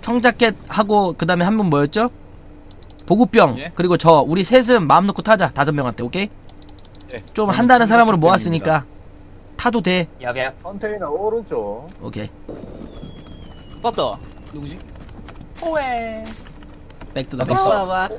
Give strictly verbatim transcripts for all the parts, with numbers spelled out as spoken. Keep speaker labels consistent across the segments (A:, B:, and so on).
A: 청자켓 하고 그 다음에 한 분 뭐였죠? 보급병.
B: 예?
A: 그리고 저 우리 셋은 마음 놓고 타자. 다섯 명한테. 오케이?
B: 예.
A: 좀 한다는 사람으로 모았으니까 타도 돼.
C: 야야.
D: 컨테이너 오른쪽.
A: 오케이.
E: 봤다. 누구지?
C: 호에.
A: 백투더
D: 어,
A: 백스.
E: 봐봐.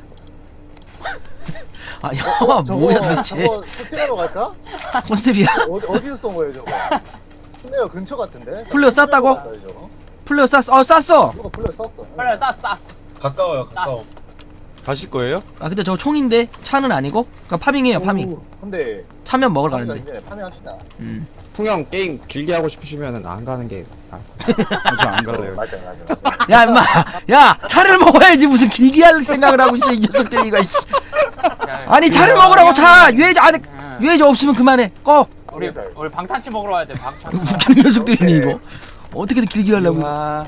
A: 아 영화 뭐야 도대체.
D: 저거 스팅하러 갈까?
A: 컨셉이야?
D: 어디 어디서 쏜 거예요 저거? 플레어 근처 같은데?
A: 플레어 쐈다고?
D: 플레어 저거?
A: 플레어 쐈어. 어 쐈어.
D: 저거 플레어 쐈어.
C: 빨리 쌌 쌌.
F: 가까워요, 가까워.
B: 가실 거예요?
A: 아 근데 저거 총인데 차는 아니고? 그니까 파밍해요 파밍.
D: 오, 근데
A: 차면 먹으러
D: 파밍
A: 가는데.
D: 이제 파밍합시다.
A: 음.
G: 풍형 게임 길게 하고 싶으시면은 안 가는 게 나을
B: 저안 갈래요.
D: 맞아 맞아. 맞아.
A: 야 임마. 야 차를 먹어야지 무슨 길게 할 생각을 하고 있어 이 녀석들 이거. 이씨. 아니 차를 먹으라고 차. 유해자 안에 유해자 없으면 그만해. 꺼.
C: 우리 우리 방탄치 먹으러 와야 돼. 방탄치.
A: 웃기는 녀석들이니 이거. 어떻게든 길게 하려고.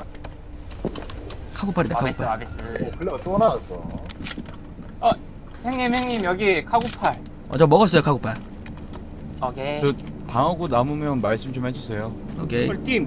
A: 카고팔이다
C: 와베스
A: 카고팔.
C: 와베스.
D: 오, 플레어 또 나왔어.
C: 어 형님 형님 여기 카구팔.
A: 어 저 먹었어요 카고팔.
C: 오케이.
B: 저 방어구 남으면 말씀 좀 해주세요.
A: 오케이.
E: 팀.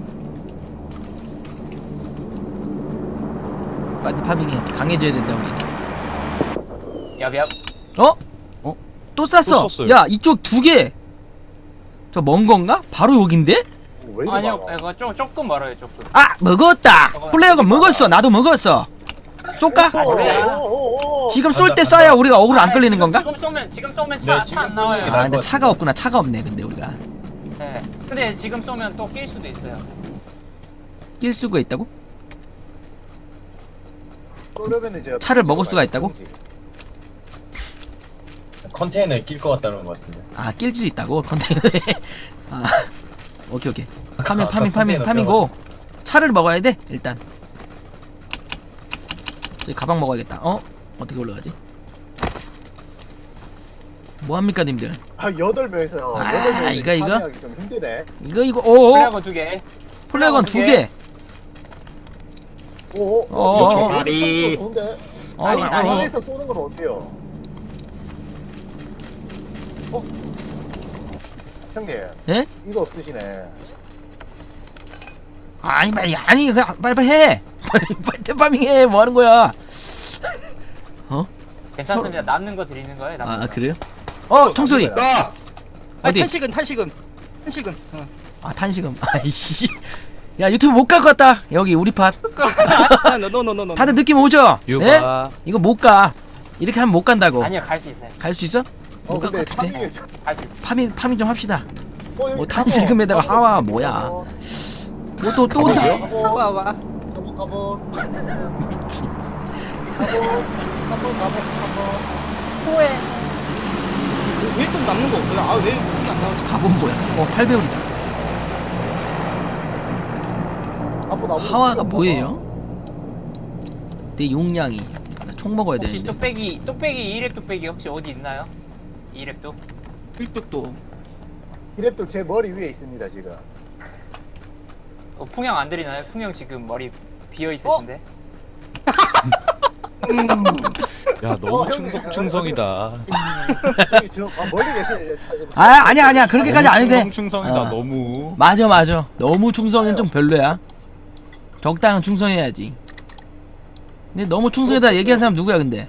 A: 빨리 파밍해. 강해져야 된다 우리.
C: 얍얍.
A: 어?
B: 어?
A: 또 쐈어.
B: 또 쐈어요.
A: 야 이쪽 두 개. 저 먼 건가? 바로 여긴데?
D: 오, 왜 이리
C: 아니요
D: 많아?
C: 이거 좀 조금 멀어요 조금.
A: 아 먹었다. 플레이어가 먹었어. 나도 먹었어. 쏠까?
D: 오, 오, 오, 오.
A: 지금 쏠 때 쏴야 우리가 어그로 안 끌리는 건가?
C: 지금 쏘면 지금 쏘면
F: 네,
C: 차
F: 지금
C: 차 안 나와요.
F: 쏘면
A: 아 근데 차가 없구나. 차가 없네 근데 우리가.
C: 네. 근데 지금 쏘면 또 낄 수도 있어요.
A: 낄 수가 있다고?
D: 쏘려면은 이제
A: 차를 먹을 수가 있다고?
F: 컨테이너에 낄 것 같다는 것 같은데.
A: 아 낄 수 있다고? 컨테이너에. 아 오케이 오케이. 파밍
F: 아까
A: 파밍 파밍
F: 컨테이너
A: 파밍고 차를 먹어야 돼 일단. 저기 가방 먹어야겠다. 어? 어떻게 올라가지? 뭐합니까 님들?
D: 아 여덟 명에서
A: 아,
D: 여덟 명이
A: 이거, 이거?
D: 파밍하기 좀 힘드네.
A: 이거 이거 오오
C: 플래그 두 개.
A: 플래건 두 개.
D: 오, 오,
A: 어,
D: 오,
A: 어,
D: 오,
G: 다리.
D: 좋은데.
A: 어,
C: 아니,
A: 어,
C: 아니.
A: 어.
D: 다리에서 쏘는 건 어때요? 어? 형님,
A: 예?
D: 이거 없으시네.
A: 아니 빨리 아니 그 빨리빨리 해. 빨리 빨리 파밍해. 뭐 하는 거야? 어?
C: 괜찮습니다. 남는 거 드리는 거예요. 남는
A: 아
C: 거.
A: 그래요? 어 총소리.
D: 남는
G: 아!
E: 아
A: 어디?
E: 탄식은 탄식은 탄식은. 어.
A: 아 탄식음. 아이씨. 야 유튜브 못 갈 것 같다. 여기 우리 팟.
E: 노노노노노.
A: 다들 느낌 오죠? 예?
B: 유바.
A: 이거 못 가. 이렇게 하면 못 간다고.
C: 아니요 갈 수 있어요.
A: 갈 수 있어?
D: 어,
A: 못 갈
D: 근데
A: 것 같은데.
D: 파밍이 좀.
C: 갈 수 있어.
A: 파밍 파밍 좀 합시다.
D: 어, 여기
A: 뭐
D: 가보.
A: 탄식음에다가
D: 가보,
A: 하와
D: 가보,
A: 뭐야?
D: 가보,
A: 뭐또또 또
G: 가보세요?
D: 가보,
E: 와 와.
D: 가보, 가보,
A: 미친.
D: 가보, 가보, 가보, 가보.
C: 호에.
E: 왜좀 남는 거 없어요? 아왜 이게 안 나오지?
A: 가본 뭐야? 어 팔 배율이다.
D: 가보, 나보.
A: 하와가 뭐예요? 내 용량이. 나 총 먹어야
C: 혹시
A: 되는데.
C: 뚝배기 뚝배기 이랩 뚝배기 혹시 어디 있나요? 이랩도?
E: 일뚝도.
D: 이랩도 제 머리 위에 있습니다 지금.
C: 어, 풍형 안 드리나요? 풍형 지금 머리 비어 있으신데.
B: 야
D: 어,
B: 너무
D: 형님.
B: 충성 충성이다.
D: 저기 저 아, 멀리 계시네. 차- 차-
A: 아 아니야 아니야 그렇게까지 안 해도 돼.
B: 충성 충성이다
A: 어.
B: 너무.
A: 맞아 맞아. 너무 충성은 좀 별로야. 적당한 충성해야지. 근데 너무 충성에다 얘기한 사람 누구야 근데?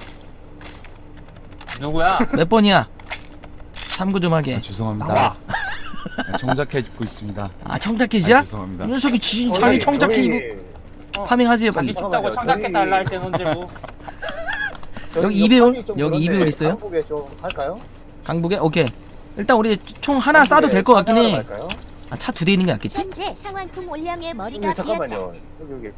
C: 누구야?
A: 몇 번이야? 참고 좀 하게.
B: 아, 죄송합니다.
G: 나와.
B: 네, 정작해 입고 있습니다.
A: 아 청자켓이야?
B: 아, 죄송합니다.
A: 이 녀석이 지,
D: 저희-
A: 자기 청자켓
D: 저희-
A: 입고
C: 어,
A: 파밍하세요
C: 자기
A: 빨리.
C: 춥다고 청자켓 달라 할 땐 언제고.
D: 저희
A: 여기 이배율?
D: 파밍 좀
A: 여기
D: 그런데
A: 이배율 있어요?
D: 한국에 좀 할까요?
A: 강북에? 오케이. 일단 우리 총 하나 싸도 될 것 같긴 해.
D: 갈까요?
A: 아, 차 두 대 있는 게 낫겠지?
H: 현재 상완품 올량의 머리가
D: 네, 잠깐만요.
H: 비었다.
D: 여기 여기.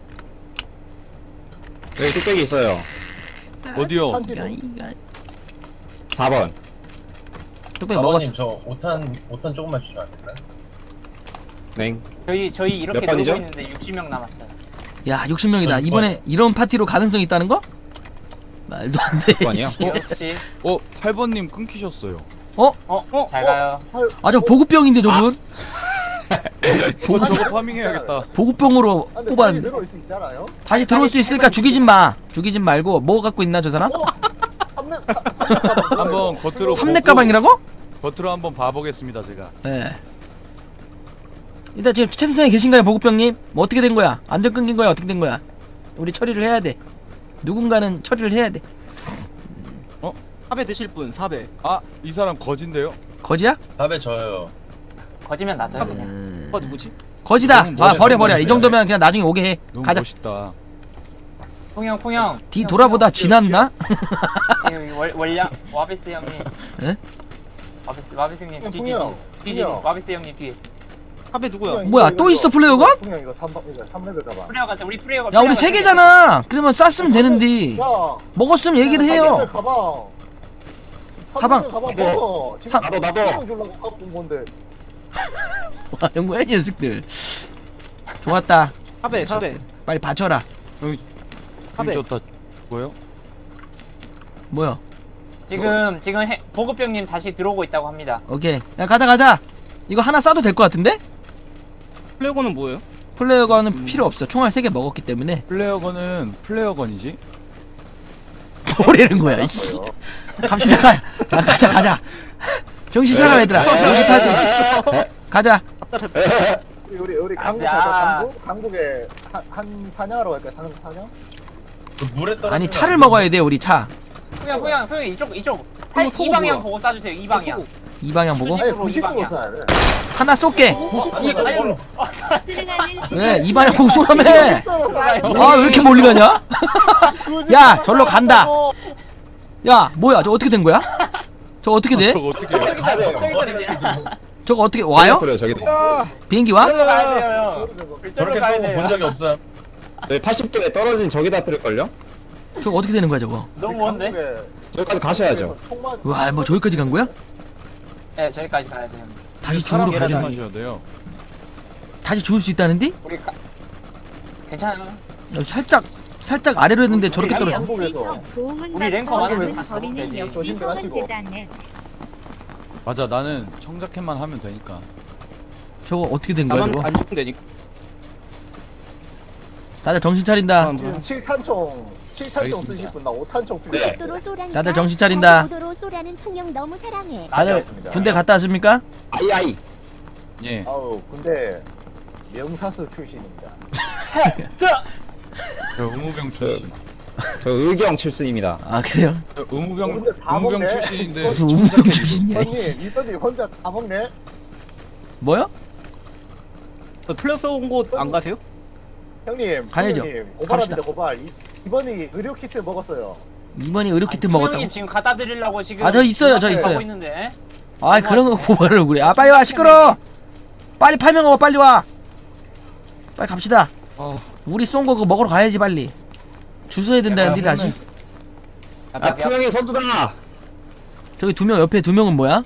G: 여기 뚝배기 있어요.
B: 어디요?
D: 한
A: 이가
D: 뒤로.
A: 이가
G: 사 번.
A: 뚝배기 먹었어.
F: 사모님 저 오탄 오탄 조금만 주시면 안 될까요?
G: 냉.
C: 저희 저희 이렇게
G: 몇 번이죠?
C: 놀고 있는데 육십 명 남았어요.
A: 야 육십 명이다.
F: 몇
A: 이번에
F: 번?
A: 이런 파티로 가능성이 있다는 거? 말도 안 돼.
G: 몇 번이요?
C: 역시.
B: 어 팔 번님 끊기셨어요.
A: 어?
C: 어? 잘 가요.
A: 아 저 보급병인데 저분?
B: 어 저거 파밍해야겠다.
A: 보급병으로
D: 아, 근데
A: 뽑았.
D: 다시 들어올 수 있잖아요.
A: 다시 들어올 수 있을까? 죽이진 마. 죽이진 말고 뭐 갖고 있나 저 사람?
D: 어? 삼렙 삼- 삼렙 가방 뭐예요?
B: 한번 겉으로
A: 삼렙
B: 보고-
A: 가방이라고?
B: 겉으로 한번 봐보겠습니다 제가.
A: 네. 일단 지금 채팅창에 계신가요 보급병님? 뭐 어떻게 된 거야? 안전 끊긴 거야? 어떻게 된 거야? 우리 처리를 해야 돼. 누군가는 처리를 해야 돼.
E: 사배 드실 분 사배.
B: 아, 이 사람 거진데요?
A: 거지야?
F: 답에 저요.
C: 거지면 놔둬요 그냥.
A: 음...
E: 오빠 누구지?
A: 거지다.
B: 너무
A: 아
B: 멋있-
A: 버려 버려.
B: 너무
A: 이 정도면 그냥 나중에 오게 해.
B: 너무
A: 가자.
B: 멋있다.
C: 풍영 풍영.
A: 뒤 돌아보다 지났나?
C: 여기 월 월량 와비스 형님.
A: 에?
C: 와비스 와비스 형님 뒤 뒤.
D: 풍영,
C: 뒤 뒤.
D: 풍영.
C: 와비스 형님 뒤에.
E: 사배 누구야?
A: 뭐야, 또 있어, 플레이어건?
D: 그냥 이거 삼 이거 삼 레벨 가봐.
C: 프레어 가자. 우리 프레어가.
A: 야 우리 세 개잖아. 그러면 쌌으면 되는데.
D: 야,
A: 먹었으면 얘기를
D: 삼 레벨
A: 해요.
D: 가방. 삼
A: 가방.
D: 레벨 가방 먹어. 지금
A: 사-
F: 나도, 나도.
D: 가방 주려고 갖고 온 건데.
A: 와 영구야 이 녀석들. 좋았다.
E: 사배 사배.
A: 빨리 받쳐라.
E: 하베.
B: 힘 좋다. 뭐요?
A: 뭐야?
C: 지금 지금 해, 보급병님 다시 들어오고 있다고 합니다.
A: 오케이. 야 가자 가자. 이거 하나 싸도 될 것 같은데?
E: 플레이어건은 뭐예요?
A: 플레이어건은 필요 없어. 총알 세 개 먹었기 때문에.
B: 플레어건은 플레어건이지?
A: 뭐라는 거야? 이씨. 갑시다 가. 야, 가자 가자. 정신 차려 얘들아. 오십팔 분. 가자.
D: 우리 우리 우리 강북
C: 가자.
D: 가자. 강북 강북에 한, 한 사냥하러 갈까? 사, 사냥?
F: 그 물에 떨어지면
A: 아니 차를 먹어야 돼 우리 차.
C: 풍영 풍영 풍영 이쪽 이쪽.
E: 그거
C: 이
E: 소고
C: 방향
E: 뭐야?
C: 보고 쏴주세요. 이 방향.
A: 이 방향 보고.
C: 수직.
D: 아니
C: 이쪽으로
D: 구십구로
C: 이방이야.
D: 써야 돼.
A: 하나 쏠게.
C: 아유.
A: 왜? 이 방향 보고 쏘라며.
D: 구십구로
A: 아 왜 이렇게 멀리 가냐? 야, 절로 간다. 야 뭐야 저 어떻게 된 거야? 저 어떻게 돼?
B: 저거 어떻게 해?
F: 가야 돼요.
C: 저기 떨어지냐?
A: 저거 어떻게 와요?
G: 그래요 저기.
A: 비행기 와?
C: 저기로 가야 돼요. 형. 저기로
F: 저렇게
C: 가야
F: 쏘고 본
C: 돼요.
F: 적이 없어요.
G: 네, 팔십 도에 떨어진 저기다 뿌릴걸요?
A: 저거 어떻게 되는 거야 저거?
C: 너무 먼데?
G: 저기까지 가셔야죠.
A: 와 뭐 저기까지 간 거야?
C: 네, 저기까지 가야 돼요.
A: 다시
B: 사람
A: 중으로 가자.
B: 조심하셔야 돼요.
A: 다시 죽을 수 있다는데?
C: 우리 가... 괜찮아요.
A: 야, 살짝 살짝 아래로 했는데 저렇게
C: 우리
A: 떨어져.
D: 한국에서
C: 우리 랭커 많은데 다시
H: 버리는
C: 가면 되지.
H: 역시
D: 조심하시고.
H: 형은 대단해.
B: 맞아, 나는 청자켓만 하면 되니까.
A: 저거 어떻게 된 거야
E: 나만
A: 저거?
E: 안 죽으면 되니까.
A: 다들 정신 차린다.
D: 지금 칠 탄총 칠 탄총
G: 알겠습니다.
D: 쓰실 분 나 오 탄총 필요해.
H: 고속도로 쏘라니까
A: 다들 정신 차린다.
H: 고속도로 쏘라는 풍경 너무 사랑해.
A: 다들
D: 알겠습니다.
A: 군대 갔다 왔습니까?
G: 아이 아이.
B: 예.
D: 아우 근데 명사수 출신입니다.
B: 저 의무병 출신.
G: 저 의경 칠순입니다.
A: 아 그래요?
B: 저 의무병
D: 근데 다
B: 의무병
D: 먹네.
B: 출신인데
A: 무슨 운명 출신이야? 이-
D: 이번님 이번님 혼자 다 먹네.
A: 뭐요?
E: 어, 플레이어 온곳안 가세요?
D: 형님
A: 가야죠.
D: 형님,
A: 갑시다.
D: 고발합니다 고발. 이, 이번이 의료 키트 먹었어요.
A: 이번이 의료 키트
C: 아니,
A: 먹었다고?
C: 풍영님 지금 갖다 드리려고 지금.
A: 아, 저 있어요, 저
C: 하고
A: 있어요.
C: 있는데.
A: 아 그런 거 고발을 그래. 아 빨리 와 시끄러. 빨리 팔명 먹어 빨리 와. 빨리 갑시다.
B: 아,
A: 우리 쏜 거 그거 먹으러 가야지 빨리. 주소해야 된다는데 다시.
G: 아 풍영이 선두다.
A: 저기 두 명 옆에 두 명은 뭐야?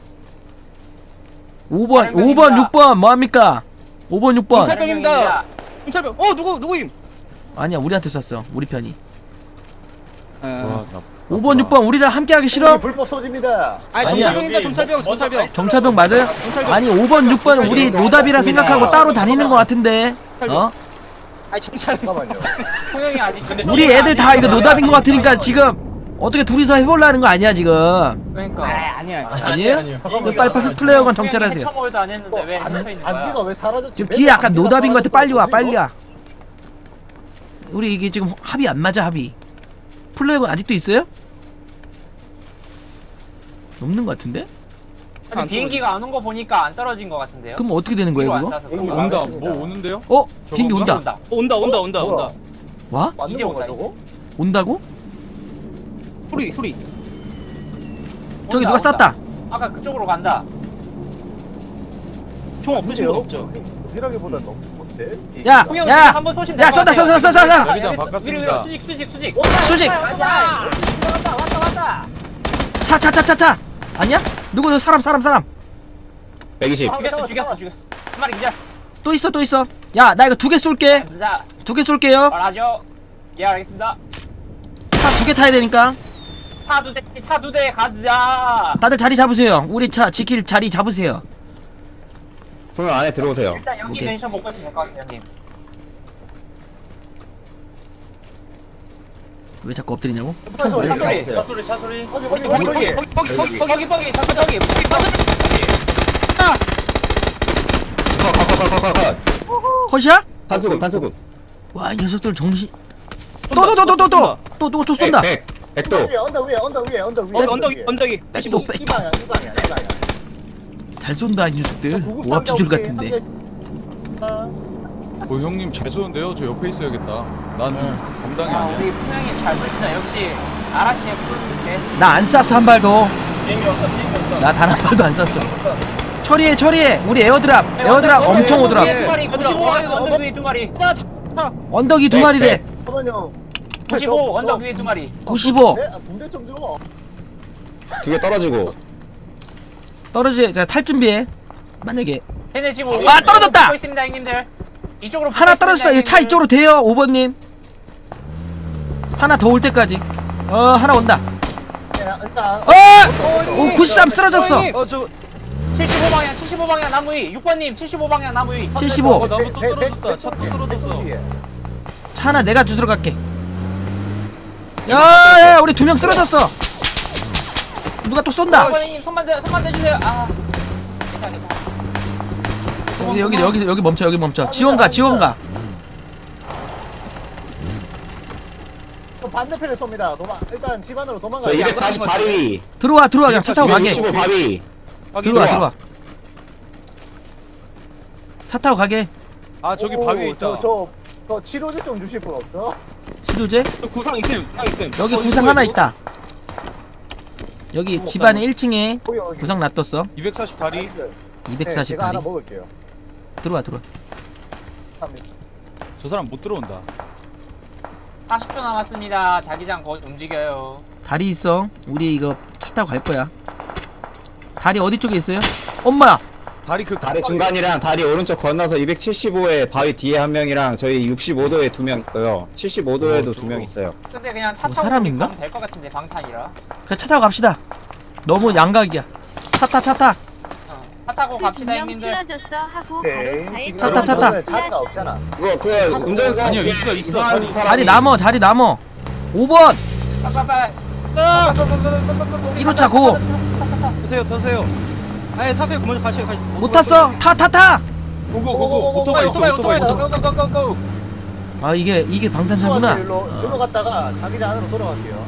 A: 오 번,
C: 다른
A: 오 번,
C: 명입니다.
A: 육 번 뭐합니까? 오 번, 육 번.
E: 살병입니다. 경찰병. 어 누구 누구임?
A: 아니야 우리한테 쐈어. 우리 편이.
B: 와,
E: 어.
B: 나.
A: 오 번, 육 번 우리랑 함께 하기 싫어?
D: 불법 소집니다.
E: 아니
A: 아니야.
E: 정찰병입니다. 정찰병 정찰병.
A: 정차병 맞아요? 아니 오 번, 육 번 우리 노답이라 생각하고 따로 다니는 것 같은데. 어?
E: 아니 정찰병.
D: 잠깐만요.
C: 풍영이 아직.
A: 우리 애들 다 이거 노답인 것 같으니까 지금 어떻게 둘이서 해보려는 거 아니야 지금?
C: 그러니까.
E: 아 아니야.
A: 아니에요?
D: 잠깐만요.
A: 빨리 빨리 플레이어건 정찰하세요.
C: 처벌도 안 했는데 왜
D: 안,
C: 갇혀 있는
D: 안개가
C: 거야?
D: 왜 사라졌지?
A: 지금
D: 맨날
A: 뒤에 약간
D: 안개가
A: 노답인 것 같아. 빨리 와
D: 사라졌어.
A: 빨리 와. 우리 이게 지금 합이 안 맞아 합이. 플레이어건 아직도 있어요? 없는 것 같은데?
C: 아니, 비행기가 안 온 거 보니까 안 떨어진 거 같은데요?
A: 그럼 어떻게 되는 거예요
C: 뒤로 안
A: 그거?
C: 쏴서 그런 거
B: 온다.
D: 알겠습니다.
B: 뭐 오는데요?
A: 어?
B: 저거
A: 비행기
B: 온다?
A: 온다.
C: 온다.
E: 어, 온다 온다 온다
D: 뭐야?
E: 온다.
A: 와?
D: 맞는
C: 이제
D: 건가
C: 온다,
D: 저거?
A: 온다고?
E: 소리 소리.
A: 저기
C: 온다,
A: 누가
C: 온다.
A: 쐈다.
C: 아까 그쪽으로 간다.
E: 총 없으신 분
D: 근데요?
E: 없죠?
D: 이라기보다 너무 못해.
A: 야!
C: 풍영
A: 야!
C: 한번 쏘시면
A: 야,
C: 될것
A: 쏜다,
C: 같아요.
A: 쏜다, 쏜다, 쏜다!
B: 여기다
C: 여기서
B: 바꿨습니다.
C: 위로, 위로, 수직 수직 수직.
A: 수직!
C: 가자. 왔다 왔다 왔다.
A: 차, 차, 차, 차, 차! 아니야? 누구 저 사람, 사람, 사람!
G: 백이십.
C: 죽였어 죽였어 죽였어. 한 마리 기절.
A: 또 있어, 또 있어. 야, 나 이거 두 개 쏠게.
C: 자,
A: 두 개 쏠게요.
C: 말하죠. 예 알겠습니다.
A: 차 두 개 타야 되니까.
C: 차 두 대, 차 두 대 가자.
A: 다들 자리 잡으세요. 우리 차 지킬 자리 잡으세요.
G: 풍영 안에 들어오세요.
C: 일단 여기
A: 오케이.
C: 멘션 먹고 있으면 될 것 같아요, 형님.
A: 왜 자꾸 엎드리냐고?
D: 차 소리, 차 소리.
C: 차 소리, 차 소리.
D: 거기 거기
C: 거기,
D: 거기
C: 거기,
D: 거기.
C: 거기, 거기, 거기, 잠깐 저기, 거기, 거기.
G: 컷컷컷컷컷.
A: 컷이야?
G: 탄수급 탄수급.
A: 와, 이 녀석들 정신. 또 또 또 또 또 또 또 또 쏜다.
G: 백, 백, 백도.
D: 위에 언덕 위에 언덕 위에 언덕 위에.
E: 언덕 언덕이 언덕이
A: 백도
D: 이,
A: 백.
D: 이 방향 이 방향 이 방향.
A: 잘 쏜다 이 녀석들. 오합 주줄 같은데.
B: 어 형님 잘 쏘는데요? 저 옆에 있어야겠다. 난 감당이
C: 아,
B: 아니야.
C: 우리 풍향님 잘 보신다. 역시 아라시의 푸른빛에.
A: 나 안 쐈어 한 발도.
F: 비행기 없어 비행기 없어.
A: 나 단 한 발도 안 쐈어. 처리해 처리해. 우리 에어드랍 에어드랍 엄청 오더라고.
C: 두 마리, 구십오 방향 언덕 위에 두 마리.
A: 언덕이 두 마리래.
D: 잠깐만요.
C: 구십오 언덕 위에 두 마리.
A: 구십오.
D: 네? 아, 붕대 좀 줘.
G: 두 개 떨어지고.
A: 떨어지. 자, 탈 준비해. 만약에
C: 쟤네 지금
A: 아, 떨어졌다!
C: 붙고 있습니다, 형님들. 이쪽으로 붙고
A: 하나
C: 있습니다,
A: 떨어졌어. 이 차
C: 형님들.
A: 이쪽으로 대요. 오 번님. 하나 더 올 때까지. 어 하나 온다.
D: 네, 일단
A: 어! 오 구십삼 쓰러졌어.
B: 어저
C: 칠십오 방향, 칠십오 방향 나무 위. 육 번님, 칠십오 방향 나무 위.
A: 칠십오.
B: 어, 나무 또 떨어졌다. 차 또 떨어졌어.
A: 차 하나 내가 주스러 갈게. 야야 우리 두 명 쓰러졌어. 누가 또 쏜다.
C: 번님 손만 대, 손만 대주세요. 아. 괜찮아, 괜찮아.
A: 여기 여기 여기 여기 멈춰 여기 멈춰. 지원가 지원가.
D: 저 반대편에 쏩니다. 도망. 일단 집 안으로 도망가.
G: 저 이백사십 바위.
A: 들어와 들어와 그냥 차 타고 가게.
G: 이백육십오 바위.
A: 들어와 들어와. 차 타고 가게.
B: 아 저기 바위에 있다.
D: 저저 저 치료제 좀 주실 분 없어?
A: 치료제?
E: 저 구상 있음 구상 있음
A: 여기
E: 어,
A: 구상
E: 이거,
A: 하나
E: 이거.
A: 있다. 여기 집안에 일 층에
D: 거기 여기.
A: 구상 놔뒀어.
B: 이백사십 다리.
D: 나이스. 네,
A: 이백사십
D: 제가 하나
A: 다리.
D: 먹을게요.
A: 들어와 들어와.
D: 갑니다.
B: 저 사람 못 들어온다.
C: 사십 초 남았습니다. 자기장 곧 움직여요.
A: 다리 있어. 우리 이거 차 타고 갈 거야. 다리 어디 쪽에 있어요? 엄마야.
B: 다리 그
G: 다리 중간이랑 다리 오른쪽 건너서 이백칠십오에 바위 뒤에 한 명이랑 저희 육십오 도에 두 명 있고요. 칠십오 도에도
B: 어,
G: 두 명 있어요.
C: 근데 그냥 차
A: 뭐
C: 타고
A: 사람인가?
C: 가면 될것 같은데 방탄이라.
A: 그냥 차 타고 갑시다. 너무 양각이야. 차 타 차 타.
C: 어. 차 타고 갑시다,
H: 두명
C: 형님들.
H: 쓰러졌어 하고
D: 오케이.
H: 바로 자해
D: 지금
A: 차 타, 차 타.
D: 여러분은 자리가 없잖아.
G: 그거 그 운전사
B: 아니요, 있어, 있어.
G: 이상한
B: 자리-
G: 사람이-
A: 자리 남어 자리 남어. 오 번.
C: 빨빨빨.
A: 일 호차 고.
B: 타세요 타세요.
E: 아니 타세요 먼저 가시죠 가시
A: 못 탔어. 타 타 타.
B: 고고 고고. 오토바이 있어 오토바이 있어.
C: 고고고고고.
A: 아 이게 이게 방탄차구나.
D: 일로 일로 갔다가 자기장 안으로 돌아갈게요.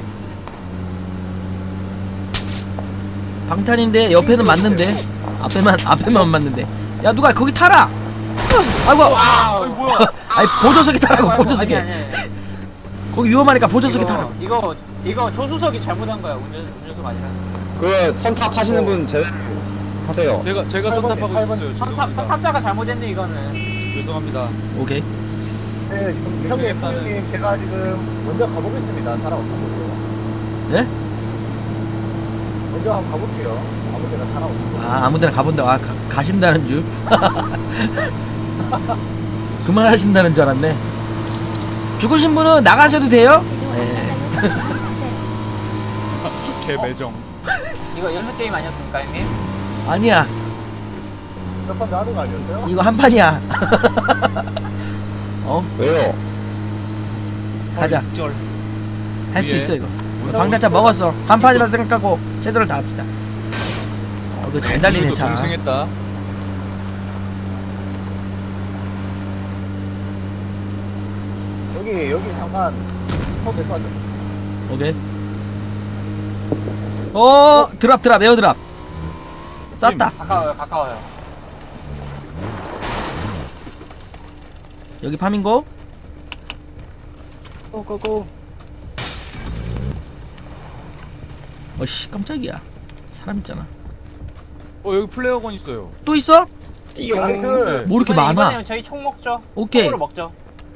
A: 방탄인데 옆에는 맞는데 앞에만 앞에만 맞는데. 야 누가 거기 타라. 아이고.
C: 와우.
B: 뭐야?
A: 아니 보조석에 타라고
C: 아니,
A: 보조석에.
C: 아니, 아니.
A: 거기 위험하니까 보조석에
C: 이거,
A: 타라고.
C: 이거 이거 조수석이 잘못한 거야. 운전 운전수가 아니라.
G: 그 선탑 하시는 분 제대로 하세요.
B: 제가 제가
D: 팔 번,
B: 선탑하고
D: 팔 번.
B: 있었어요.
C: 선탑
B: 죄송합니다.
C: 선탑자가 잘못했네 이거는.
B: 죄송합니다.
A: 오케이.
D: 네, 지금 형님, 형님 제가 지금 먼저 가보겠습니다. 사람 없어요.
A: 예?
D: 먼저 한번 가볼게요. 아무 데나 사람 없어.
A: 아 아무데나 가본다. 아 가, 가신다는 줄. 그만하신다는 줄 알았네. 죽으신 분은 나가셔도 돼요? 네.
B: 개 매정.
C: 이거 연습 게임 아니었습니까, 형님?
A: 아니야.
D: 몇번 나는 거 아니었어요?
A: 이거 한 판이야. 어?
G: 왜요?
A: 가자.
E: 절
A: 할 수
B: 위에.
A: 있어 이거. 방탄차 먹었어. 한 판이라 생각하고 최선을 다합시다. 어, 이거 잘 달리네 차.
B: 동승했다.
D: 여기 여기 잠깐 서도 될것 같아.
A: 오케이. 어 드랍 드랍 에어 드랍. 쌌다.
C: 가까워요, 가까워요.
A: 여기 파밍고.
E: 고고고
A: 어씨 깜짝이야. 사람 있잖아.
B: 어 여기 플레어건 있어요.
A: 또 있어?
G: 띠용.
D: 나이스.
A: 뭐 이렇게
C: 이번에,
A: 많아?
C: 이번에는 저희 총 먹죠.
A: 오케이.
C: 총으로 먹죠.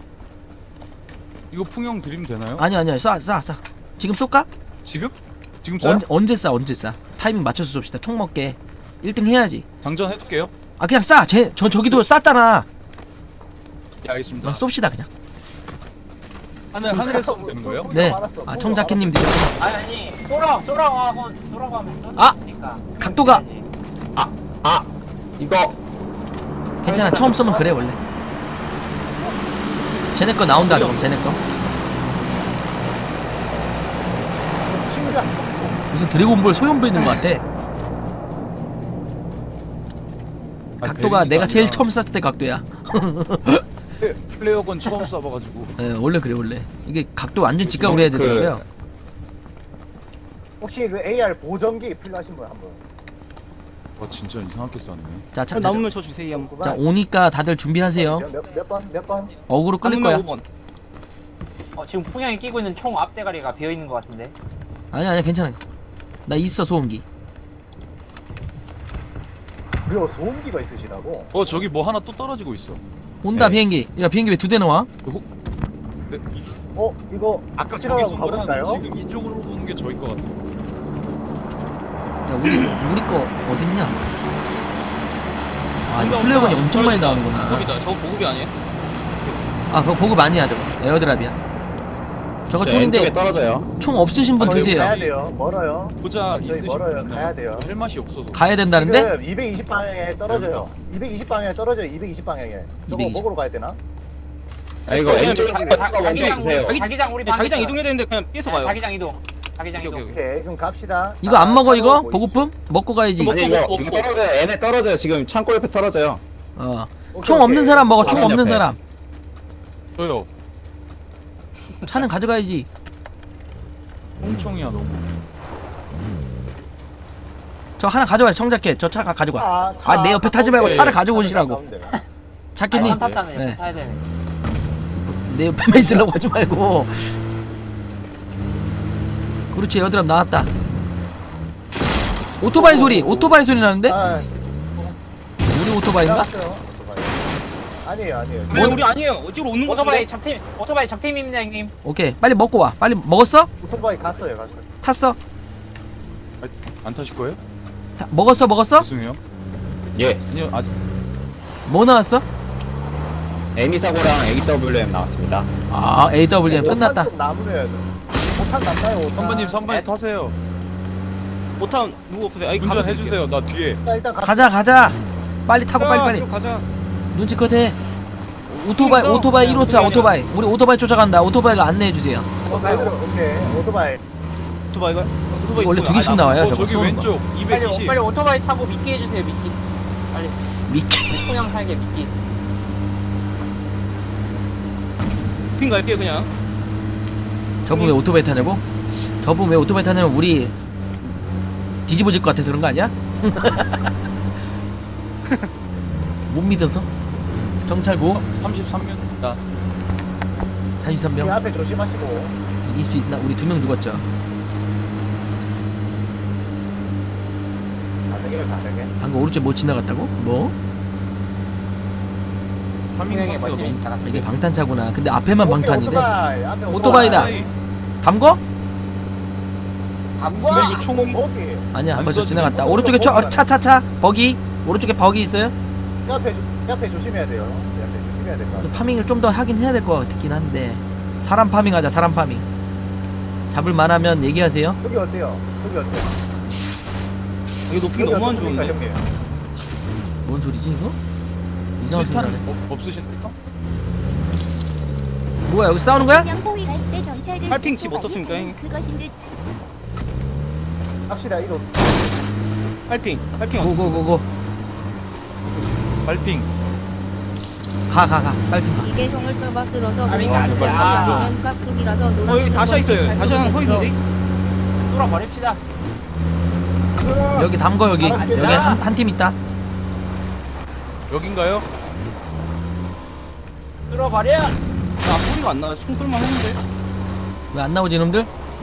B: 이거 풍형 드리면 되나요?
A: 아니 아니야 쏴쏴 쏴. 지금 쏠까?
B: 지금? 지금 쏴요?
A: 언, 언제 쏴 언제 쏴. 타이밍 맞춰서 쏩시다. 총 먹게. 일 등 해야지.
B: 장전 해둘게요.
A: 아 그냥 쏴. 쟤, 저 저기도 쐈잖아.
B: 예 알겠습니다.
A: 어, 쏩시다 그냥.
B: 하늘 하늘에 쏘면 되는 거예요?
A: 네.
D: 많았어.
A: 아 청자켓님 드려.
C: 아니 아니, 쏘라 쏘라고 하고 쏘라고 하면 쏘.
A: 아!
C: 그러니까.
A: 각도가.
G: 아 이거
A: 괜찮아. 처음 쏘면 그래 원래. 쟤네 거 나온다 그럼 쟤네 거.
D: 심장.
A: 무슨 드래곤볼 소형부 있는 것 같아.
B: 아,
A: 각도가
B: 베린이가
A: 내가 제일
B: 아니라.
A: 처음 쐈을 때 각도야.
B: 플레어건 처음 써봐가지고.
A: 예, 원래 그래 원래. 이게 각도 완전 직각으로 해야
G: 그-
A: 되더라고요.
D: 혹시 그 에이알 보정기 필요하신 분 한분
B: 와 진짜 이상하게 쐈네.
A: 자, 자, 자,
E: 남으면 저 주세요.
A: 자 오니까 다들 준비하세요.
D: 몇몇 번? 몇 번?
A: 어그로 끌릴 거야.
E: 남으면 오 번.
C: 어, 지금 풍향이 끼고 있는 총 앞대가리가 비어 있는 것 같은데.
A: 아니 아니 괜찮아. 나 있어 소음기.
D: 무려 소음기가 있으시다고?
B: 어 저기 뭐 하나 또 떨어지고 있어.
A: 온다
B: 네.
A: 비행기. 야 비행기 왜 두 대 나와?
B: 혹
D: 어? 이거
B: 아까 저기
D: 스치라고
B: 쏜 거랑
D: 가볼까요?
B: 지금 이쪽으로 오는 게 저일 것 같아.
A: 야 우리 우리 거 어딨냐? 아 이 플레어건이 엄청 많이 나오는구나.
E: 보급이다. 저거 보급이 아니에요?
A: 아 그거 보급 아니야 저거. 에어드랍이야. 저거
G: 저
A: 총인데
G: 왼쪽에 떨어져요.
A: 총 없으신 분
D: 저희
A: 드세요.
D: 가야 돼요. 멀어요.
B: 보자
D: 저희
B: 있으신
D: 멀어요.
B: 분은
D: 가야 돼요.
B: 할 맛이 없어서.
A: 가야 된다는데?
D: 지금 이백이십 방향에 떨어져요. 이백이십 방향에 떨어져요. 이백이십 방향에. 저거
A: 이백이십.
D: 먹으러 가야 되나?
G: 아 이거
E: 네,
G: 왼쪽에
E: 네,
G: 있는 거 잠깐 먼저
C: 자기장,
G: 주세요.
C: 자기- 자기장 우리
E: 네, 자기장
C: 방에
E: 이동해야 되는데 그냥 피해서
C: 있어요.
E: 가요.
C: 네, 자기장 이동. 자기장
E: 오케이,
C: 이동.
E: 오케이.
D: 오케이, 그럼 갑시다.
A: 이거 안
D: 아,
A: 먹어 이거?
D: 차로
A: 보급품? 먹고 가야지.
E: 먹-
G: 아니 이거 이거 떨어져요. 얘네 떨어져요. 지금 창고 옆에 떨어져요.
A: 어.
D: 오케이,
A: 총
D: 오케이.
A: 없는 사람 먹어. 총
G: 사람
A: 없는
G: 옆에.
A: 사람.
B: 저요.
A: 차는 가져가야지.
B: 홈총이야 너무.
A: 저 하나 가져와요. 청자켓. 저 차 가져가.
D: 아, 차
A: 아, 내 옆에 타지 말고
D: 가까운데.
A: 차를 가지고 오시라고.
D: 가까운데.
C: 아니,
A: 자켓님.
C: 한 탔잖아요.
A: 네.
C: 타야 되네.
A: 내 옆에만 있으려고 하지 말고. 그렇지. 에어드랍 나왔다. 오토바이 소리. 오토바이 소리 나는데?
D: 아,
A: 우리 오토바이인가?
D: 나갔어요. 오토바이. 아니에요, 아니에요.
E: 아니 우리 아니에요. 어찌로 오는 거
C: 오토바이
E: 같은데?
C: 잡팀, 오토바이 잡팀입니다, 형님.
A: 오케이. 빨리 먹고 와. 빨리 먹었어?
D: 오토바이 갔어요, 갔어요.
A: 탔어?
B: 아, 안 타실 거예요?
A: 타, 먹었어? 먹었어?
B: 죄송해요.
G: 예.
B: 아니요 아직.
A: 뭐 나왔어?
G: 에미사고랑 에이더블유엠 나왔습니다.
A: 아, 에이더블유엠 끝났다.
D: 좀 남으려야 돼. 오탄 남나요, 오탄?
B: 선배님 선배님 타세요.
E: 못함 누구 없으세요? 아니
B: 운전 해주세요. 나 뒤에.
D: 자, 일단 가.
A: 가자, 가자. 빨리 타고 빨리 빨리.
E: 가자.
A: 눈치껏 해. 오토바이
E: 그러니까.
A: 오토바이
E: 네,
A: 일 호차
E: 오토바이
A: 오토바이. 우리 오토바이 쫓아간다. 오토바이가 안내해 주세요.
D: 오케이, 오케이. 오토바이.
E: 오토바이가? 오토바이
A: 원래
E: 누구야?
A: 두 개씩
E: 아,
A: 나와요.
B: 어
A: 저거
B: 저기
A: 쏘는 거.
B: 왼쪽
C: 빨리,
B: 이백이십.
C: 빨리 오토바이 타고 미끼 해주세요, 미끼. 빨리.
A: 미끼.
C: 풍향 살게, 미끼.
E: 핑 갈게요 그냥.
A: 저분 왜 오토바이 타냐고? 저분 왜 오토바이 타냐면 우리 뒤집어질 것 같아서 그런 거 아니야? 못 믿어서? 경찰고
B: 삼십삼 년입니다.
A: 사십삼
D: 이
A: 명
D: 앞에 조심하시고.
A: 이길 수 있나? 우리 두 명 죽었죠.
D: 가능해요, 가능해.
A: 방금 오른쪽 못 지나갔다고? 뭐?
B: 삼인
C: 풍향의
B: 상태가
C: 멋짐이
B: 너무.
C: 나갔어.
A: 이게 방탄차구나. 근데 앞에만
D: 오케이,
A: 방탄이네.
D: 오토바이. 앞에
A: 오토바이다.
B: 아이,
A: 담거?
B: 근데
C: 담궈!
B: 이거 총이
D: 거기.
A: 아니야
B: 안
A: 벌써
B: 써지네.
A: 지나갔다.
D: 어,
A: 오른쪽에
D: 어,
A: 차 차 차차 버기. 오른쪽에 버기 있어요?
D: 이 앞에, 이 앞에 조심해야 돼요. 이 앞에 조심해야 될 것 같아요.
A: 파밍을 좀 더 하긴 해야 될 것 같긴 한데 사람 파밍하자. 사람 파밍 잡을 만하면 얘기하세요.
D: 여기 어때요? 여기 어때요?
E: 여기 높이가 너무 안
D: 어떻습니까,
E: 좋은데.
D: 형님?
A: 뭔 소리지 이거? 이상한 소리
B: 실탄
A: 나네.
B: 어, 없으신가?
A: 뭐야 여기 싸우는 거야?
H: 양보위 갈때 경찰들
E: 팔핑 집 어떻습니까, 형님?
H: 그것인 듯
D: 갑시다, 이거.
E: 팔핑. 팔핑 어디?
A: 고고고고
B: 발핑.
A: 가 가 가 빨리 가.
I: 이게 형을 빼박들어서
C: 아니,
I: 뭔가
C: 제발.
I: 면 깍두기라서
E: 어 여기 다시 있어요. 다시 하나 서 있는데?
C: 뚫어버립시다.
A: 여기 담거 여기 여기 한 한 팀 있다.
B: 여긴가요?
C: 뚫어버려!
E: 아 소리가 안 나. 총 쏠만 했는데.
A: 왜 안 나오지 놈들?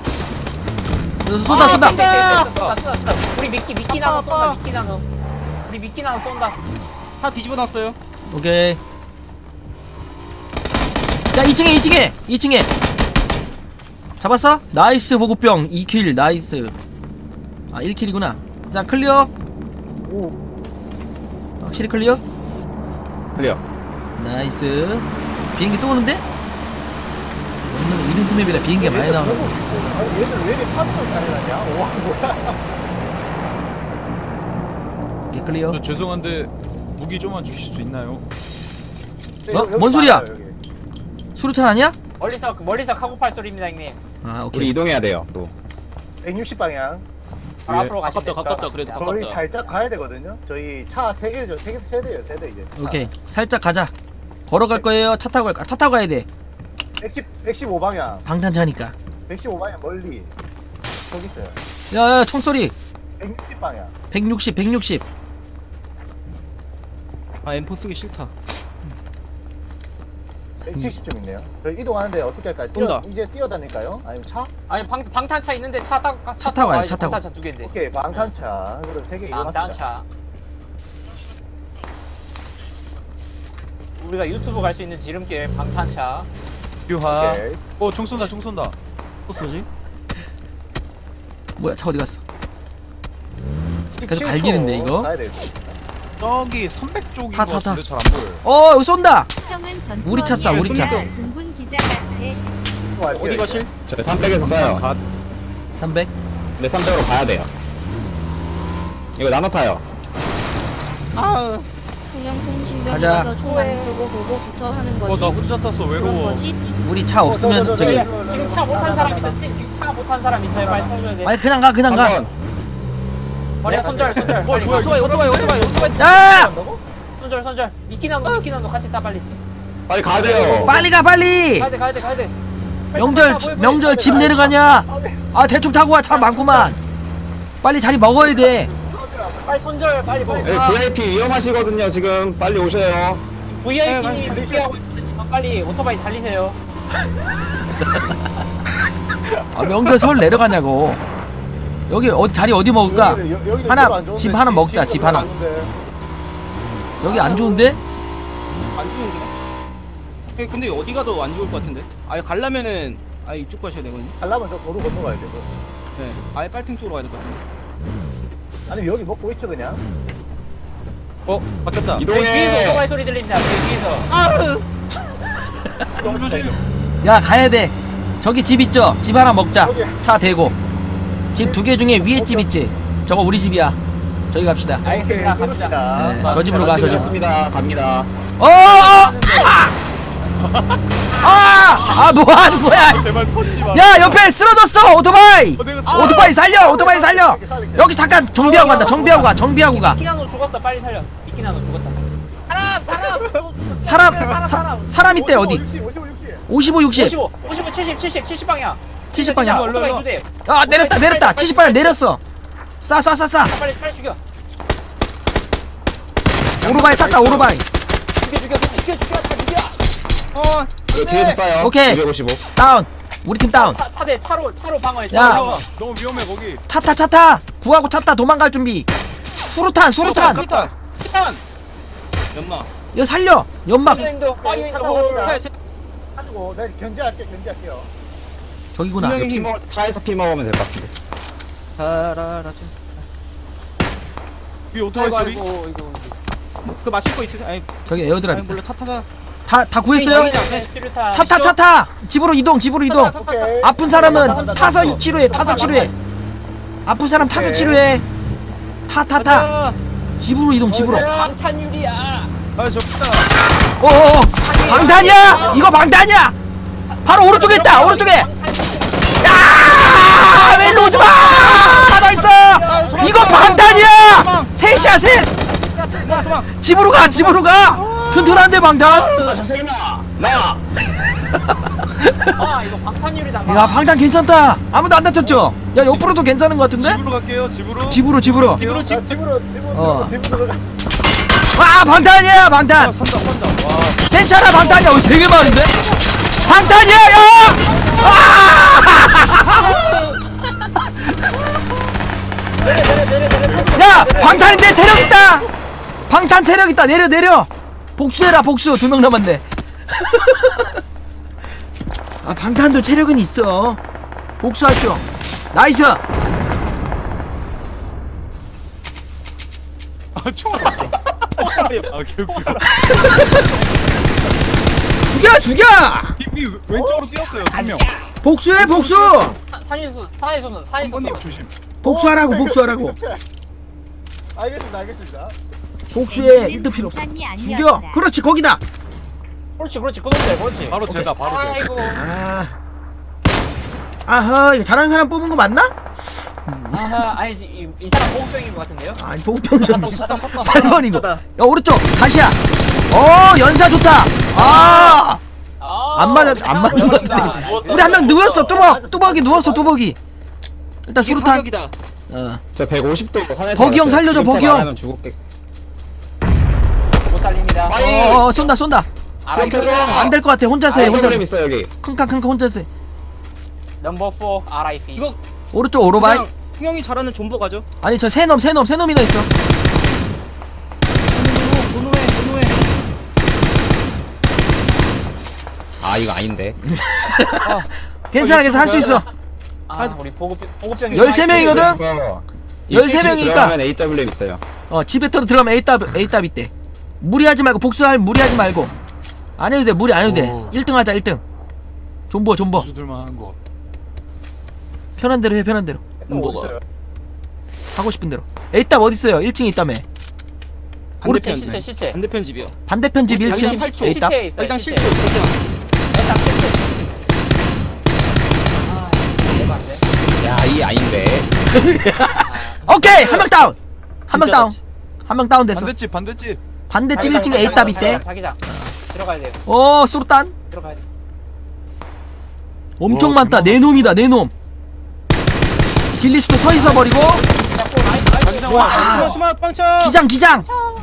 A: 쏜다
C: 아,
A: 쏜다.
C: 쏜다, 쏜다, 쏜다, 쏜다. 우리 미끼, 미끼 나눠 쏜다, 미끼 나눠. 우리 미끼 나눠 쏜다.
E: 다 뒤집어 놨어요.
A: 오케이. 야 이 층에 이 층에 이 층에 잡았어? 나이스 보급병 이 킬 나이스. 아 일 킬이구나. 자 클리어.
D: 오.
A: 확실히 클리어?
G: 클리어.
A: 나이스. 비행기 또 오는데? 오늘 이벤트 맵이라 비행기가 많이 나오네.
D: 아니, 얘들 왜 이렇게 파밍을 잘해놨냐? 와, 뭐야.
A: 오케이 클리어.
B: 저 죄송한데 무기 좀만 주실 수 있나요?
A: 어?
D: 여기
A: 뭔 소리야?
D: 많아요, 여기.
A: 수류탄 아니야?
C: 멀리서, 멀리서 카고팔 소리입니다, 형님.
A: 아
G: 우리
A: 오케이.
G: 이동해야 돼요. 또.
D: 백육십 방향.
C: 바로
B: 예.
C: 앞으로 가시면
E: 가깝다 가깝다
C: 됩니다.
E: 그래도
D: 거의
E: 가깝다.
D: 살짝 가야 되거든요. 저희 차 세 개죠. 세 개, 세대예요, 세대 이제. 차.
A: 오케이 살짝 가자. 걸어갈 거예요? 차 타고 갈까? 차 타고 가야 돼.
D: 백십, 백십오 방향.
A: 방탄차니까.
D: 백십오 방향 멀리. 저기 있어요.
A: 야야 총소리.
D: 백육십 방향.
A: 백육십 백육십.
E: 아 엠포 쓰기 싫다.
D: 백칠십쯤 있네요. 저희 이동하는데 어떻게 할까요? 뛰어,
E: 온다.
D: 이제 뛰어다닐까요? 아니면 차?
C: 아니 방 방탄차 있는데 차 타고 가-
A: 차 타고 가요,
C: 가야지.
A: 차 타고.
C: 방탄차 두 개인데.
D: 오케이, 방탄차. 그럼 세개 이용합시다.
C: 방탄차. 우리가 유튜브 갈 수 있는 지름길 방탄차.
B: 유하.
D: 오케이.
B: 어총 쏜다 총 쏜다.
E: 또 쏘지?
A: 뭐야 차 어디 갔어? 계속
D: 십칠 초
A: 갈기는데 이거?
D: 가야 돼.
B: 저기 삼백 쪽인
A: 타,
B: 것
A: 타, 타.
B: 같은데 잘 안 보여요.
A: 어 여기 쏜다.
H: 우리 차 쏴, 우리 차.
I: 중군 기자 같아.
E: 어디 가실?
G: 저희 삼백에서 써요.
B: 갓.
A: 삼백.
G: 근데 삼백으로 가야 돼요. 이거 나눠 타요.
E: 아
I: 풍영
A: 가자.
I: 통신병에서 총 안 쏘고 보고부터 하는 거지.
B: 어나 혼자 탔어
I: 그런
B: 외로워.
I: 거지.
A: 우리 차 없으면 저기.
C: 지금 차 못 탄 사람 있어. 지금 차 못 탄 사람 있어요. 빨리 타줘야 돼.
A: 아니 그냥 가 그냥 가.
G: 한번
C: 머리야 손절 손절.
E: 어
C: 빨리
E: 뭐야
C: 가.
E: 오토바이 오토바이 오토바이 오토바이.
A: 야
C: 손절 손절. 미끼나노 미끼나노 같이 타 빨리.
G: 빨리 가야 돼요.
A: 빨리 가 빨리.
C: 가야 돼 가야 돼 가야 돼. 빨리
A: 명절
C: 타, 빨리,
A: 명절
C: 빨리,
A: 집
C: 빨리.
A: 내려가냐? 아 대충 타고 와 차 많구만. 빨리 자리 먹어야 돼.
C: 빨리 손절 빨리 먹어.
G: 네, 브이아이피 위험하시거든요. 지금 빨리 오셔요.
C: 브이아이피님이 무시하고 있지만 빨리 오토바이 달리세요.
A: 아 명절 서울 내려가냐고. 여기 어디 자리 어디 먹을까?
D: 여기는 여- 여기는
A: 하나,
D: 별로 안 좋은데,
A: 집 하나 먹자,
D: 집은
A: 집
D: 별로
A: 하나.
D: 안 좋은데.
A: 여기 안 좋은데?
E: 안 좋은데? 예, 근데 어디 가도 안 좋을 것 같은데? 아예 가려면은 아예 이쪽 가셔야 되거든요.
D: 가려면 저 도로 건너가야 돼. 뭐.
E: 네, 아예 빨핑 쪽으로 가야 될 것 같은데.
D: 아니면 여기 먹고 있죠 그냥.
B: 어 바뀌었다.
C: 여기 뒤에서
G: 이동해.
C: 오토바이 소리 들립니다. 여기 뒤에서.
B: 너무 조심.
A: 야 가야 돼. 저기 집 있죠? 집 하나 먹자. 차 대고. 집 두 개 중에 위에 집 있지? 저거 우리 집이야. 저기 갑시다.
C: 알겠습니다.
D: 오케이,
C: 갑시다.
D: 그럽시다.
A: 네, 저 집으로 가, 저 집.
G: 찍었습니다. 갑니다.
A: 어! 어! 아! 아! 아, 뭐 하는 거야?
B: 제발 터지지 마.
A: 야, 옆에 쓰러졌어! 오토바이!
B: 어, 내가 쓰-
A: 오토바이 살려! 오토바이 살려! 여기 잠깐 정비하고 간다. 정비하고 가. 정비하고 가.
C: 미끼나노 죽었어. 빨리 살려. 미끼나노 죽었다. 사람 사람.
A: 사람 사, 사람 있대 어디?
D: 오십오, 육십.
A: 오십오, 육십.
C: 오십오, 오십오, 칠십, 칠십, 칠십 방향.
A: 칠십 방향.
C: 오토바이 두 대.
A: 아, 내렸다. 내렸다. 칠십 방향 내렸어. 싸, 싸, 싸, 싸.
C: 빨리 빨리 죽여.
A: 오토바이 탔다. 오토바이.
C: 죽여 죽여 죽여 죽여 다 죽여.
E: 어,
G: 이거 뒤에서 쏴요.
A: 오케이.
G: 이백오십오.
A: 다운. 우리 팀 다운.
C: 차, 차대 차로 차로 방어해.
A: 야.
C: 차로 방어.
B: 너무 위험해 거기.
A: 차 타, 차 타. 구하고 차 타. 도망갈 준비. 수류탄, 수류탄.
B: 갔다.
C: 일단
E: 연마.
A: 이거 살려. 연막.
C: 파이어인도 파이어인도
E: 차, 차,
D: 가지고 내가 견제할게, 견제할게요.
A: 저기구나.
E: 분명히-
G: 피 먹, 차에서 피 먹으면 될 것 같은데.
E: 자라라자.
B: 위 오토바이
C: 아이고
B: 소리.
C: 아이고 이거.
E: 그 마실 거 있으세요? 아니,
A: 저기 에어드랍
E: 아니
A: 있다.
E: 몰라 차 타다.
A: 다, 다 구했어요?
C: 네, 치료타.
A: 차 타, 차 타. 집으로 이동, 집으로 이동.
D: 오케이.
A: 아픈 사람은 타서 이- 치료해. 타서 치료해. 아픈 사람 타서 치료해. 타, 타, 타.
E: 가자.
A: 집으로 이동, 집으로.
C: 방탄유리야.
B: 아 저기다.
A: 어어어. 방탄이야. 이거 방탄이야. 바로 오른쪽에 있다. 오른쪽에. 야! 왜 일로 오지 마! 나 있어. 이거 방탄이야. 셋이야, 셋.
E: 도망, 도망.
A: 집으로 가, 집으로 가. 튼튼한데 방탄.
G: 아, 선생님 나.
C: 아 이거 방탄유리다.
A: 야, 방탄 괜찮다. 아무도 안 다쳤죠? 야, 옆으로도 괜찮은 것 같은데?
B: 집으로 갈게요. 집으로.
A: 집으로, 집으로.
E: 집으로
D: 자,
E: 집.
D: 집으로, 집으로,
A: 어.
D: 집으로 들어가.
A: 와, 방탄이야,
B: 아,
A: 방탄.
B: 산다 산다. 와.
A: 괜찮아, 방탄이야. 어, 되게 많은데? 방탄이야, 야! 아! 야, 방탄인데 체력 있다. 방탄 체력 있다. 내려, 내려. 복수해라, 복수. 두 명 남았네. 아, 방탄도 체력은 있어. 복수하죠. 나이스.
B: 아 총알. 아 개웃겨.
A: 죽여, 죽여.
B: 이 왼쪽으로 뛰었어요. 한 명.
A: 복수해, 복수.
C: 산이수 산이수는 산이수.
B: 한번님 조심.
A: 복수하라고, 복수하라고.
D: 알겠습니다, 알겠습니다.
A: 복수해. 일도 필요 없어. 죽여. 그렇지, 거기다.
C: 그렇지 그렇지 그놈들 그렇지.
B: 바로 제다 바로 제.
C: 아이고.
A: 아, 아하, 이거 잘하는 사람 뽑은 거 맞나?
C: 아하 아니지 이, 이 사람 보호병인 것 같은데요?
A: 아니, 보급병전
B: 섰다 섰다.
A: 팔 번이고. 야, 오른쪽 다시야. 어 연사 좋다. 아.
C: 아,
A: 안 맞아 안 맞는다. 우리 한 명 누웠어. 뚜벅 뚜벅이 누웠어 뚜벅이. 일단
E: 이게
A: 수류탄.
E: 사격이다.
A: 어.
G: 저 백오십 도 산에서
A: 버기 형
G: 왔어요.
A: 살려줘,
G: 지금
A: 버기 형.
G: 말하면 죽을게.
C: 못 살립니다.
A: 어, 어 쏜다 쏜다.
G: 켜줘.
A: 안 될 것 같아. 혼자서 해.
G: 아,
A: 혼자서.
G: 프로그램 있어 여기.
A: 킁킁킁 혼자서 해.
C: 넘버 사 알아이피.
E: 이거
A: 오른쪽 오토바이.
E: 그냥 풍영이 잘하는 존버 가죠.
A: 아니 저 세놈 세놈 세놈이나 있어.
E: 노노해 노노해.
G: 아 이거 아닌데.
A: 괜찮아 괜찮아 할 수 있어.
C: 아, 우리 보급 보급병이
A: 열세 명이거든?
G: 그래서
A: 열세
G: 이백십
A: 명이니까.
G: 들어가면 에이더블유엠 있어요.
A: 어 집에 들어 들어가면 A답 A답 있대. 무리하지 말고 복수할 무리하지 말고. 안 해도 돼 무리 안 해도 돼.
B: 오.
A: 일 등 하자 일 등. 존버 존버.
B: 수들만 한 거.
A: 편한 대로 해 편한 대로.
D: 또 어디 있어요?
A: 하고 싶은 대로. A답 어디 있어요? 일 층에 있다며.
E: 반대편
C: 시체 시체.
E: 반대편 집이요.
A: 반대편 집 일 층.
E: 자기장 팔 초.
A: A답.
C: 시체에 있어요.
E: 일단
C: 시체.
E: 실수. 그렇게
C: 일단 시체. 아, 이거 안 돼.
G: 야 이 아닌데.
A: 오케이 한 명 다운. 한 명
E: 진짜
A: 다운. 한 명 다운 됐어.
B: 반대집 반대집.
A: 반대집
C: 자기장,
A: 일 층에
C: 자기장,
A: A답 있대.
C: 자기장, 자기장. 들어가야 돼요.
A: 어 수류탄.
C: 들어가야 돼.
A: 엄청
B: 와,
A: 많다. 내 놈이다 내 놈. 딜리스도 서 있어 버리고.
B: 자기장
A: 와.
B: 와.
E: 좀만 좀만 빵쳐.
A: 기장 기장.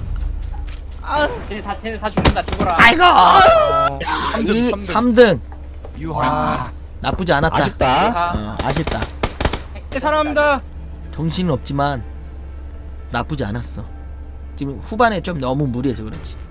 C: 쟤네 다 쟤네 다 죽는다. 죽어라.
A: 아이고.
B: 삼 등,
A: 이
B: 삼 등.
A: 삼 등.
B: 유하.
A: 나쁘지 않았다.
G: 아쉽다.
C: 아,
A: 어, 아쉽다.
E: 네, 사랑합니다.
A: 정신은 없지만 나쁘지 않았어. 지금 후반에 좀 너무 무리해서 그렇지.